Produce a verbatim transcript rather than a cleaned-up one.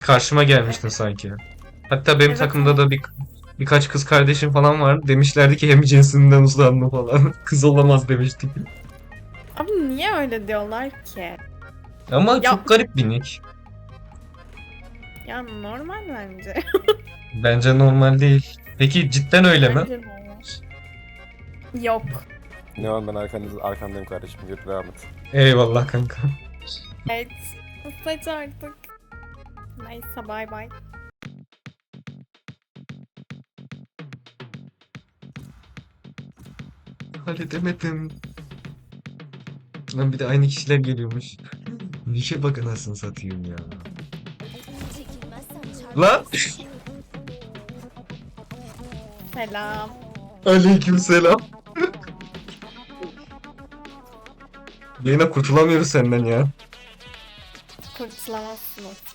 Karşıma gelmiştin sanki. Hatta benim Evet, takımda evet. da bir birkaç kız kardeşim falan vardı. Demişlerdi ki hem cinsinden uzlanma falan. Kız olamaz demiştik. Abi niye öyle diyorlar ki? Ama Ya çok garip bir nick. ya normal bence. Bence normal değil. Peki cidden öyle mi? Bence normal. Yok. Ne var, ben arkanız, arkandayım kardeşim. Yürü, devam et. Eyvallah kanka. Evet. Saç artık. Neyse bay bay. Halledemedim. Lan bir de aynı kişiler geliyormuş. Nişe bak anasını satayım ya. Lan! Selam. Aleykümselam. Yine kurtulamıyoruz senden ya. Kurtulamazsınız.